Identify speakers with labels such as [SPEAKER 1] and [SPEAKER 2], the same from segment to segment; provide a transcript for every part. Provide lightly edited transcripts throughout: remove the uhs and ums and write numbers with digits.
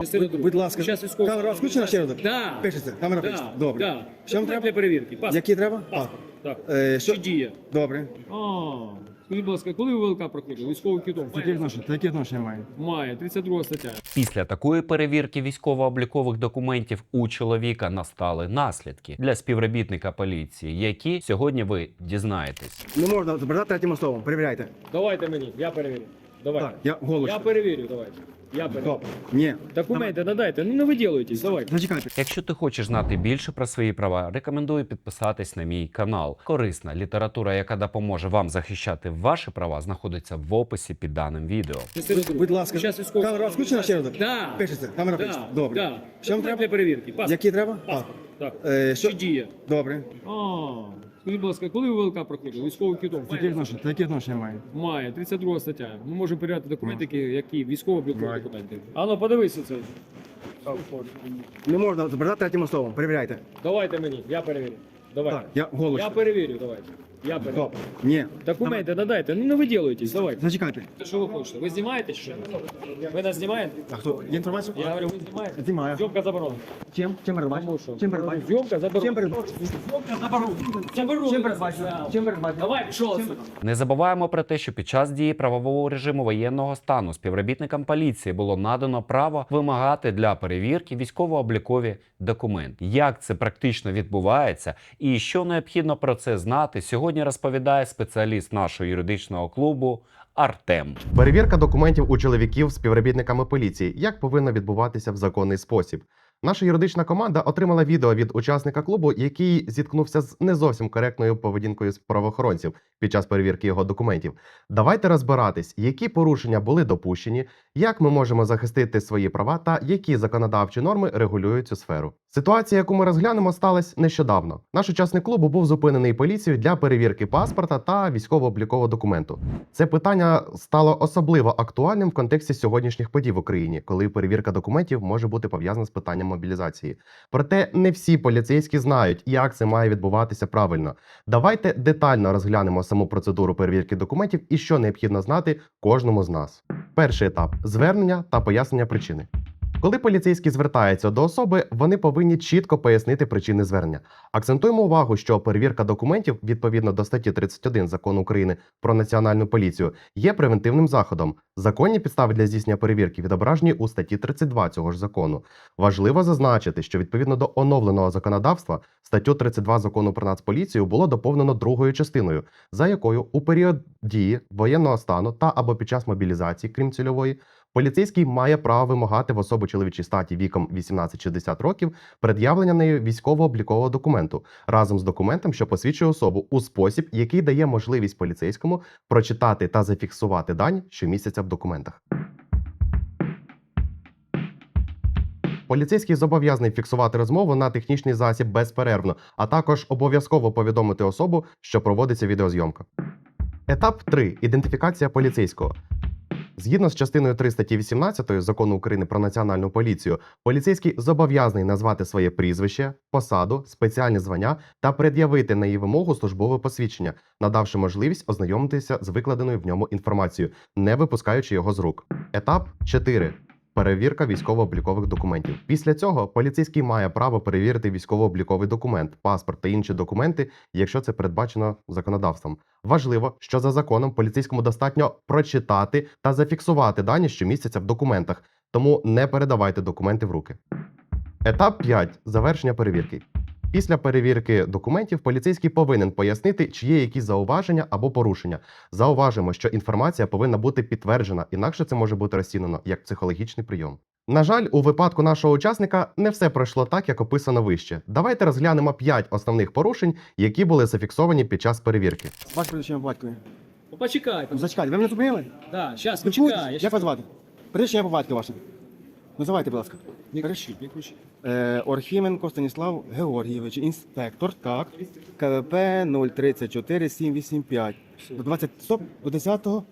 [SPEAKER 1] Будь ласка,
[SPEAKER 2] Зараз військовий.
[SPEAKER 1] камера включена ще раз?
[SPEAKER 2] Да.
[SPEAKER 1] Пишеться, камера пишеться. Добре.
[SPEAKER 2] Да.
[SPEAKER 1] Що вам треба?
[SPEAKER 2] Для перевірки. Паспорт.
[SPEAKER 1] Які треба?
[SPEAKER 2] Паспорт. Так.
[SPEAKER 1] Що?
[SPEAKER 2] Чи діє?
[SPEAKER 1] Добре.
[SPEAKER 2] Скажіть, будь ласка, коли ви ВЛК проходили? Військовий квиток?
[SPEAKER 1] Які відношення має?
[SPEAKER 2] Має. 32 стаття.
[SPEAKER 3] Після такої перевірки військово-облікових документів у чоловіка настали наслідки для співробітника поліції, які сьогодні ви дізнаєтесь.
[SPEAKER 1] Не можна забирати третім особам. Перевіряйте.
[SPEAKER 2] Давайте мені, я перевірю. Давайте.
[SPEAKER 1] Так, я голос.
[SPEAKER 2] Я перевірю, давайте. Я перевірю.
[SPEAKER 1] Добре. Ні.
[SPEAKER 2] Документи надайте, ну не виділуйтесь, давайте.
[SPEAKER 1] Зачекайте.
[SPEAKER 3] Якщо ти хочеш знати більше про свої права, рекомендую підписатись на мій канал. Корисна література, яка допоможе вам захищати ваші права, знаходиться в описі під даним відео.
[SPEAKER 1] Будь ласка,
[SPEAKER 2] Зараз військовий.
[SPEAKER 1] камера включена ще раз?
[SPEAKER 2] Да.
[SPEAKER 1] Пишеться, камера
[SPEAKER 2] Да.
[SPEAKER 1] пишеться. Добре.
[SPEAKER 2] Да.
[SPEAKER 1] Що вам треба?
[SPEAKER 2] Для перевірки. Паспорт.
[SPEAKER 1] Які треба?
[SPEAKER 2] Паспорт. Так.
[SPEAKER 1] Що?
[SPEAKER 2] Чи діє?
[SPEAKER 1] Добре.
[SPEAKER 2] Скажіть, будь ласка, коли ви ВЛК проходили? Військовий квиток?
[SPEAKER 1] Які відношення має?
[SPEAKER 2] Має. 32 стаття. Ми можемо перевіряти документи, які військово-облікові документи. Ану, подивися це.
[SPEAKER 1] Не можна забирати третім особам. Перевіряйте.
[SPEAKER 2] Давайте мені, я перевірю. Давайте.
[SPEAKER 1] Так, я голос.
[SPEAKER 2] Я перевірю, давайте. Я перевірю.
[SPEAKER 1] Добре. Ні.
[SPEAKER 2] Документи надайте, ну не виділуйтесь, давайте.
[SPEAKER 1] Зачекайте.
[SPEAKER 2] Що ви хочете? Ви знімаєте чи що? Ви нас знімаєте?
[SPEAKER 1] А хто? Є інформація?
[SPEAKER 2] Я говорю, ви знімаєте?
[SPEAKER 1] Знімаю.
[SPEAKER 2] Зйомка заборонена.
[SPEAKER 1] Чим? Чим передбачено?
[SPEAKER 2] Тому що?
[SPEAKER 1] Чим передбачено?
[SPEAKER 2] Зйомка заборонена.
[SPEAKER 1] Чим передбачено?
[SPEAKER 2] Зйомка заборонена. Заборонена.
[SPEAKER 1] Чим передбачено? Чим передбачено?
[SPEAKER 2] Давай, пішов отсюда.
[SPEAKER 3] Не забуваємо про те, що під час дії правового режиму воєнного стану співробітникам поліції було надано право вимагати для перевірки військово-облікові документи. Як це практично відбувається і що необхідно про це знати, сьогодні розповідає спеціаліст нашого юридичного клубу Артем.
[SPEAKER 4] Перевірка документів у чоловіків співробітниками поліції. Як повинно відбуватися в законний спосіб? Наша юридична команда отримала відео від учасника клубу, який зіткнувся з не зовсім коректною поведінкою з правоохоронців під час перевірки його документів. Давайте розбиратись, які порушення були допущені, як ми можемо захистити свої права та які законодавчі норми регулюють цю сферу. Ситуація, яку ми розглянемо, сталася нещодавно. Наш учасник клубу був зупинений поліцією для перевірки паспорта та військово-облікового документу. Це питання стало особливо актуальним в контексті сьогоднішніх подій в Україні, коли перевірка документів може бути пов'язана з питанням мобілізації. Проте не всі поліцейські знають, як це має відбуватися правильно. Давайте детально розглянемо саму процедуру перевірки документів і що необхідно знати кожному з нас. Перший етап – звернення та пояснення причини. Коли поліцейські звертаються до особи, вони повинні чітко пояснити причини звернення. Акцентуємо увагу, що перевірка документів, відповідно до статті 31 Закону України про Національну поліцію, є превентивним заходом. Законні підстави для здійснення перевірки відображені у статті 32 цього ж закону. Важливо зазначити, що відповідно до оновленого законодавства статтю 32 Закону про Нацполіцію було доповнено другою частиною, за якою у період дії воєнного стану та або під час мобілізації, крім цільової, поліцейський має право вимагати в особи чоловічій статі віком 18-60 років пред'явлення нею військово-облікового документу разом з документом, що посвідчує особу у спосіб, який дає можливість поліцейському прочитати та зафіксувати дані, що містяться в документах. Поліцейський зобов'язаний фіксувати розмову на технічний засіб безперервно, а також обов'язково повідомити особу, що проводиться відеозйомка. Етап 3. Ідентифікація поліцейського. Згідно з частиною 3 статті 18 Закону України про Національну поліцію, поліцейський зобов'язаний назвати своє прізвище, посаду, спеціальні звання та пред'явити на її вимогу службове посвідчення, надавши можливість ознайомитися з викладеною в ньому інформацією, не випускаючи його з рук. Етап 4. Перевірка військово-облікових документів. Після цього поліцейський має право перевірити військово-обліковий документ, паспорт та інші документи, якщо це передбачено законодавством. Важливо, що за законом поліцейському достатньо прочитати та зафіксувати дані, що містяться в документах, тому не передавайте документи в руки. Етап 5. Завершення перевірки. Після перевірки документів поліцейський повинен пояснити, чи є якісь зауваження або порушення. Зауважимо, що інформація повинна бути підтверджена, інакше це може бути розцінено як психологічний прийом. На жаль, у випадку нашого учасника не все пройшло так, як описано вище. Давайте розглянемо 5 основних порушень, які були зафіксовані під час перевірки.
[SPEAKER 1] Ваше прізвище по батькові.
[SPEAKER 2] Почекайте.
[SPEAKER 1] Зачекайте, ви мене зупинили?
[SPEAKER 2] Да, зараз,
[SPEAKER 1] Спілкуєтесь?
[SPEAKER 2] почекай.
[SPEAKER 1] Як вас звати? Прізвище по батькові ваше. Називайте, будь ласка.
[SPEAKER 2] Не кричіть, не кричіть.
[SPEAKER 1] Орхіменко Станіслав Георгійович, інспектор, так. КВП 034 785. До 20, стоп, до 10-го,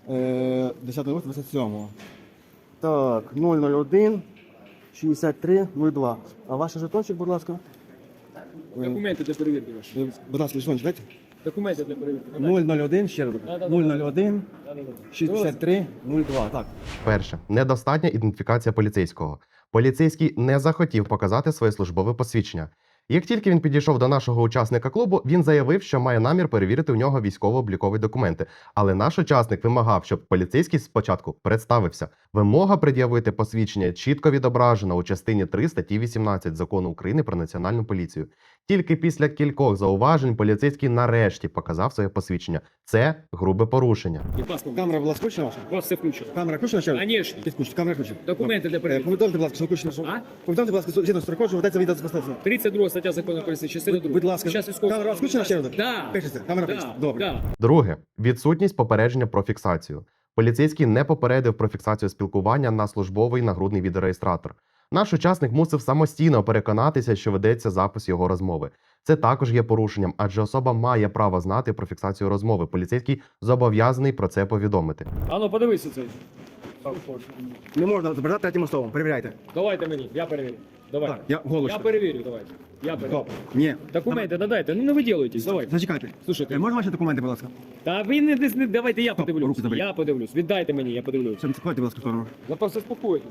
[SPEAKER 1] 10-го, Так, 001 63 02. А ваш жетончик, будь ласка?
[SPEAKER 2] Документи для перевірки ваші.
[SPEAKER 1] Будь ласка, жетончик, дайте.
[SPEAKER 2] Документи для перевірки.
[SPEAKER 1] 001, ще раз. 001 63 02. Так.
[SPEAKER 4] Перше. Недостатня ідентифікація поліцейського. Поліцейський не захотів показати своє службове посвідчення. Як тільки він підійшов до нашого учасника клубу, він заявив, що має намір перевірити у нього військово-облікові документи. Але наш учасник вимагав, щоб поліцейський спочатку представився. Вимога пред'явити посвідчення чітко відображена у частині 3 статті 18 Закону України про Національну поліцію. Тільки після кількох зауважень поліцейський нарешті показав своє посвідчення. Це грубе порушення.
[SPEAKER 2] І паспорт.
[SPEAKER 1] Камера була включена ваша?
[SPEAKER 2] У вас все включено.
[SPEAKER 1] Камера включена ще раз?
[SPEAKER 2] Конечно.
[SPEAKER 1] Підключена, камера включена.
[SPEAKER 2] Документи для перевірки.
[SPEAKER 1] Повідомте, будь ласка, що включено.
[SPEAKER 2] А?
[SPEAKER 1] Повідомте, будь ласка, згідно з строкою, що ведеться відео спостереження.
[SPEAKER 2] 32 стаття закону поліції, частина 2.
[SPEAKER 1] Будь ласка,
[SPEAKER 2] Щас військовий.
[SPEAKER 1] камера включена ще раз?
[SPEAKER 2] Да.
[SPEAKER 1] Пишеться, камера
[SPEAKER 2] Да.
[SPEAKER 1] пишеться. Добре.
[SPEAKER 2] Да.
[SPEAKER 4] Друге. Відсутність попередження про фіксацію. Поліцейський не попередив про фіксацію спілкування на службовий нагрудний відеореєстратор. Наш учасник мусив самостійно переконатися, що ведеться запис його розмови. Це також є порушенням, адже особа має право знати про фіксацію розмови. Поліцейський зобов'язаний про це повідомити.
[SPEAKER 2] Ану, подивися цей.
[SPEAKER 1] Не можна забирати третім словом. Перевіряйте.
[SPEAKER 2] Давайте мені, я перевірю. Давайте.
[SPEAKER 1] Так, я голос.
[SPEAKER 2] Я перевірю, давайте. Я перевірю.
[SPEAKER 1] Стоп. Ні.
[SPEAKER 2] Документи надайте, ну не виділуйтесь, давайте.
[SPEAKER 1] Зачекайте.
[SPEAKER 2] Слушайте.
[SPEAKER 1] Можна ваші документи, будь ласка?
[SPEAKER 2] Та ви не давайте я подивлюсь.
[SPEAKER 1] руки заберіть.
[SPEAKER 2] Я подивлюсь. Віддайте мені, я подивлюсь.
[SPEAKER 1] Все, відходьте, будь ласка, в сторону.
[SPEAKER 2] Ви просто спокойтесь.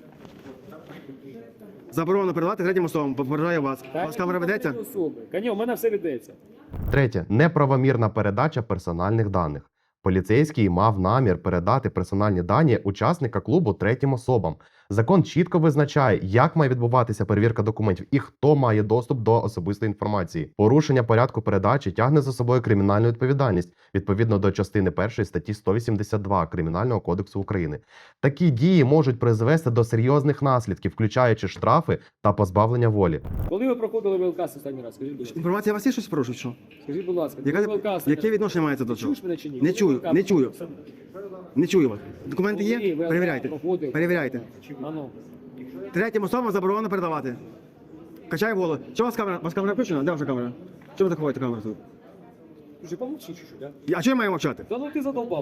[SPEAKER 1] Заборонено передавати третім особам. Попереджаю вас. У вас камера ведеться?
[SPEAKER 2] Кані, у мене все ведеться.
[SPEAKER 4] Третє. Неправомірна передача персональних даних. Поліцейський мав намір передати персональні дані учасника клубу третім особам. Закон чітко визначає, як має відбуватися перевірка документів і хто має доступ до особистої інформації. Порушення порядку передачі тягне за собою кримінальну відповідальність відповідно до частини 1 статті 182 Кримінального кодексу України. Такі дії можуть призвести до серйозних наслідків, включаючи штрафи та позбавлення волі.
[SPEAKER 2] Коли ви проходили ВЛК останній раз? Скажіть, будь ласка.
[SPEAKER 1] Інформація у вас є щось порушить, що?
[SPEAKER 2] Скажіть, будь ласка, коли ВЛК останній
[SPEAKER 1] Яке
[SPEAKER 2] раз?
[SPEAKER 1] відношення мається до цього?
[SPEAKER 2] Чуєш мене чи ні?
[SPEAKER 1] Не чую,
[SPEAKER 2] Коли
[SPEAKER 1] не
[SPEAKER 2] ВЛК
[SPEAKER 1] чую. Не чую вас. Документи
[SPEAKER 2] Коли
[SPEAKER 1] є?
[SPEAKER 2] ВЛК
[SPEAKER 1] Перевіряйте.
[SPEAKER 2] проходив?
[SPEAKER 1] Перевіряйте.
[SPEAKER 2] Ану.
[SPEAKER 1] Третім особам заборонено передавати. Качай голову. Що у вас камера? У вас камера включена? Де ваша камера? Чого ви так ховаєте камеру тут?
[SPEAKER 2] Слушай, помолчи чуть-чуть, а?
[SPEAKER 1] А чого я маю мовчати?
[SPEAKER 2] Да ну ти задолбав.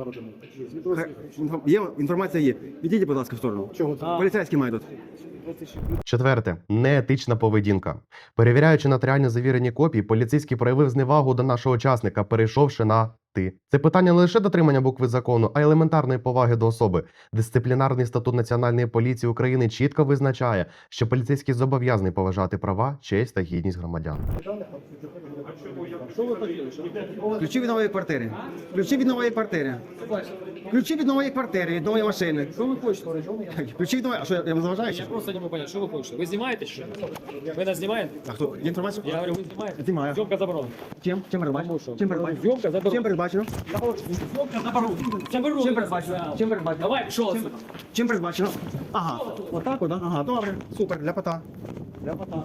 [SPEAKER 1] Є, інформація є. Відійдіть, будь ласка, в сторону. Чого? Поліцейський має тут.
[SPEAKER 4] Четверте. Неетична поведінка. Перевіряючи нотаріально завірені копії, поліцейський проявив зневагу до нашого учасника, перейшовши на «ти». Це питання не лише дотримання букви закону, а й елементарної поваги до особи. Дисциплінарний статут Національної поліції України чітко визначає, що поліцейський зобов'язаний поважати права, честь та гідність громадян.
[SPEAKER 2] Що ви хотіли? Що ви
[SPEAKER 1] Ключі від нової квартири. Ключі від нової квартири. Ключі від нової квартири, від нової машини.
[SPEAKER 2] Що ви хочете?
[SPEAKER 1] Ключі від нової... А що, я вам заважаю?
[SPEAKER 2] Я
[SPEAKER 1] Що?
[SPEAKER 2] просто не можу понять, що ви хочете? Ви знімаєте що? Ви нас знімаєте?
[SPEAKER 1] А хто? Є інформація?
[SPEAKER 2] Я говорю, ви знімаєте?
[SPEAKER 1] Знімаю.
[SPEAKER 2] Зйомка заборонена.
[SPEAKER 1] Чим? Чим передбачено?
[SPEAKER 2] Тому що?
[SPEAKER 1] Чим передбачено?
[SPEAKER 2] Зйомка заборонена.
[SPEAKER 1] Чим передбачено?
[SPEAKER 2] Зйомка заборонена. Заборонена.
[SPEAKER 1] Чим передбачено? Чим передбачено?
[SPEAKER 2] Давай, пішов.
[SPEAKER 1] Чим передбачено? Ага. Отак, от, ага. Добре. Супер, для пота.
[SPEAKER 2] Для пота.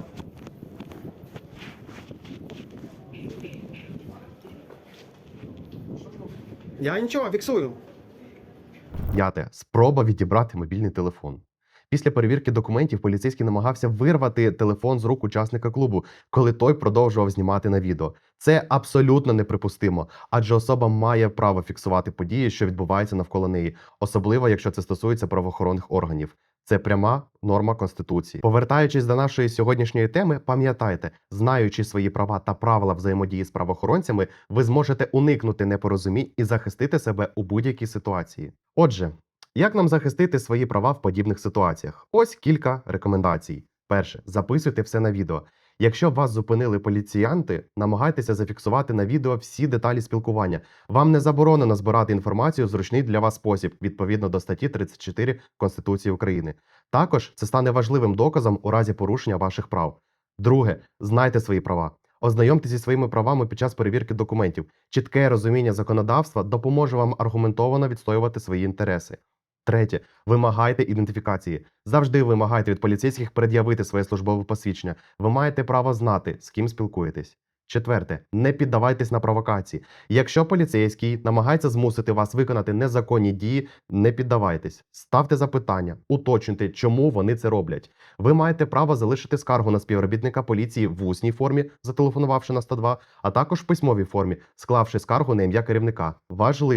[SPEAKER 1] Я нічого, фіксую.
[SPEAKER 4] П'яте. Спроба відібрати мобільний телефон. Після перевірки документів поліцейський намагався вирвати телефон з рук учасника клубу, коли той продовжував знімати на відео. Це абсолютно неприпустимо, адже особа має право фіксувати події, що відбуваються навколо неї, особливо якщо це стосується правоохоронних органів. Це пряма норма Конституції. Повертаючись до нашої сьогоднішньої теми, пам'ятайте, знаючи свої права та правила взаємодії з правоохоронцями, ви зможете уникнути непорозумінь і захистити себе у будь-якій ситуації. Отже, як нам захистити свої права в подібних ситуаціях? Ось кілька рекомендацій. Перше. Записуйте все на відео. Якщо вас зупинили поліціянти, намагайтеся зафіксувати на відео всі деталі спілкування. Вам не заборонено збирати інформацію в зручний для вас спосіб, відповідно до статті 34 Конституції України. Також це стане важливим доказом у разі порушення ваших прав. Друге. Знайте свої права. Ознайомтеся зі своїми правами під час перевірки документів. Чітке розуміння законодавства допоможе вам аргументовано відстоювати свої інтереси. Третє. Вимагайте ідентифікації. Завжди вимагайте від поліцейських пред'явити своє службове посвідчення. Ви маєте право знати, з ким спілкуєтесь. Четверте. Не піддавайтесь на провокації. Якщо поліцейський намагається змусити вас виконати незаконні дії, не піддавайтесь. Ставте запитання, уточнюйте, чому вони це роблять. Ви маєте право залишити скаргу на співробітника поліції в усній формі, зателефонувавши на 102, а також в письмовій формі, склавши скаргу на ім'я керівника. Важливо!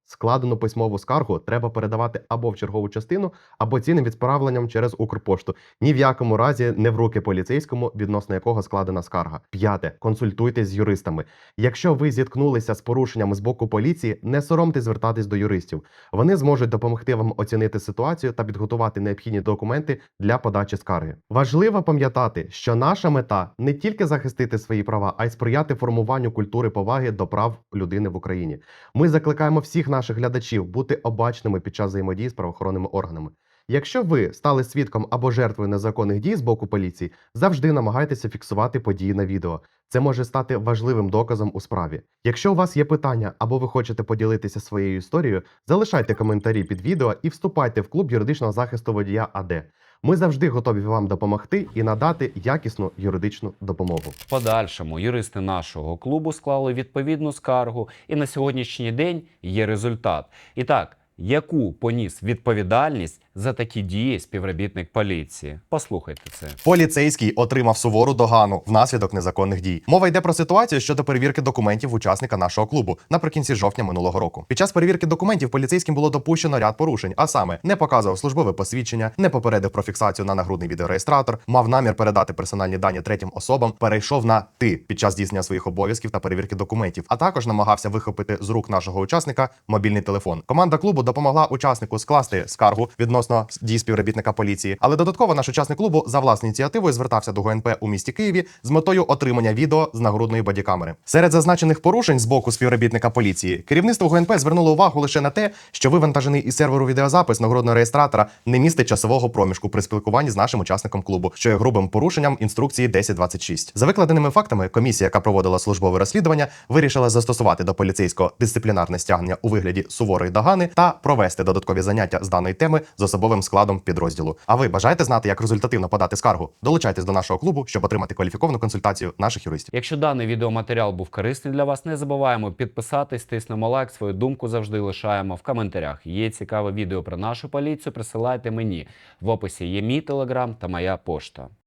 [SPEAKER 4] Складену письмову скаргу треба передавати або в чергову частину, або цінним відправленням через Укрпошту. Ні в якому разі не в руки поліцейському, відносно якого складена скарга. 5. Консультуйтесь з юристами. Якщо ви зіткнулися з порушеннями з боку поліції, не соромтесь звертатись до юристів. Вони зможуть допомогти вам оцінити ситуацію та підготувати необхідні документи для подачі скарги. Важливо пам'ятати, що наша мета не тільки захистити свої права, а й сприяти формуванню культури поваги до прав людини в Україні. Ми закликаємо всіх наших глядачів бути обачними під час взаємодії з правоохоронними органами. Якщо ви стали свідком або жертвою незаконних дій з боку поліції, завжди намагайтеся фіксувати події на відео. Це може стати важливим доказом у справі. Якщо у вас є питання або ви хочете поділитися своєю історією, залишайте коментарі під відео і вступайте в клуб юридичного захисту водія АД. Ми завжди готові вам допомогти і надати якісну юридичну допомогу.
[SPEAKER 3] В подальшому юристи нашого клубу склали відповідну скаргу, і на сьогоднішній день є результат. І так, яку поніс відповідальність за такі дії співробітник поліції? Послухайте це.
[SPEAKER 4] Поліцейський отримав сувору догану внаслідок незаконних дій. Мова йде про ситуацію щодо перевірки документів учасника нашого клубу наприкінці жовтня минулого року. Під час перевірки документів поліцейським було допущено ряд порушень, а саме не показував службове посвідчення, не попередив про фіксацію на нагрудний відеореєстратор, мав намір передати персональні дані третім особам, перейшов на «ти» під час здійснення своїх обов'язків та перевірки документів, а також намагався вихопити з рук нашого учасника мобільний телефон. Команда клубу допомогла учаснику скласти скаргу відносно дій співробітника поліції, але додатково наш учасник клубу за власною ініціативою звертався до ГУНП у місті Києві з метою отримання відео з нагрудної бодікамери. Серед зазначених порушень з боку співробітника поліції керівництво ГУНП звернуло увагу лише на те, що вивантажений із серверу відеозапис нагрудного реєстратора не містить часового проміжку при спілкуванні з нашим учасником клубу, що є грубим порушенням інструкції 1026. За викладеними фактами, комісія, яка проводила службове розслідування, вирішила застосувати до поліцейського дисциплінарне стягнення у вигляді суворої догани та провести додаткові заняття з даної теми з особовим складом підрозділу. А ви бажаєте знати, як результативно подати скаргу? Долучайтесь до нашого клубу, щоб отримати кваліфіковану консультацію наших юристів.
[SPEAKER 3] Якщо даний відеоматеріал був корисний для вас, не забуваємо підписатись, тиснемо лайк, свою думку завжди лишаємо в коментарях. Є цікаве відео про нашу поліцію, присилайте мені. В описі є мій телеграм та моя пошта.